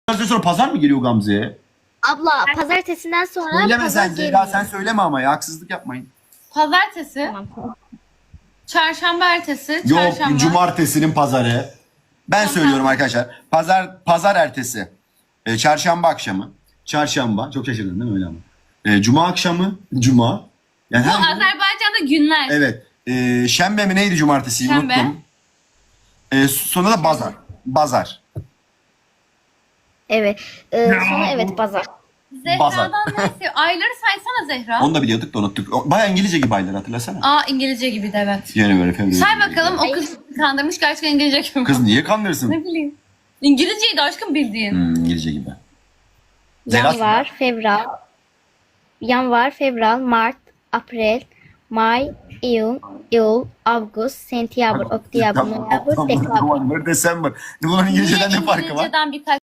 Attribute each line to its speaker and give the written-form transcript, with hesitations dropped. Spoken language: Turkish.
Speaker 1: Pazartesi sonra pazar mı geliyor Gamze'ye?
Speaker 2: Abla pazartesinden sonra
Speaker 1: Söyleme
Speaker 2: pazar
Speaker 1: sen
Speaker 2: geliyor.
Speaker 1: Zehra, sen söyleme ama ya, haksızlık yapmayın.
Speaker 3: Pazartesi,
Speaker 2: Tamam.
Speaker 3: çarşamba ertesi,
Speaker 1: Yok,
Speaker 3: çarşamba.
Speaker 1: cumartesinin pazarı. Ben söylüyorum arkadaşlar. Pazar ertesi. Çarşamba akşamı. Çarşamba. Çok şaşırdın değil mi öyle ama? Cuma akşamı. Cuma. Yani
Speaker 3: Bu
Speaker 1: her gün-
Speaker 3: Azerbaycan'da günler.
Speaker 1: Evet. Şembe mi neydi cumartesi?
Speaker 3: Şembe.
Speaker 1: Unuttum. Sonra da bazar. Bazar.
Speaker 2: Evet. Sonra evet pazar.
Speaker 3: Zehra'dan neyse. Ayları saysana Zehra.
Speaker 1: Onu da biliyorduk da unuttuk. Baya İngilizce gibi aylar, hatırlasana.
Speaker 3: Aa, İngilizce gibi de evet.
Speaker 1: Yani böyle February.
Speaker 3: Say bakalım, o kız kandırmış, gerçekten İngilizce gibi.
Speaker 1: Kız niye kandırırsın?
Speaker 3: Ne bileyim. İngilizceydi aşkım bildiğin.
Speaker 1: İngilizce gibi. Zehra-
Speaker 2: Yanvar, fevral, mart, april, may, iyul, avgust, sentyabr, oktyabr, noyabr, dekabr.
Speaker 1: November, December. Bunların İngilizceden ne farkı var?
Speaker 3: İngilizceden birkaç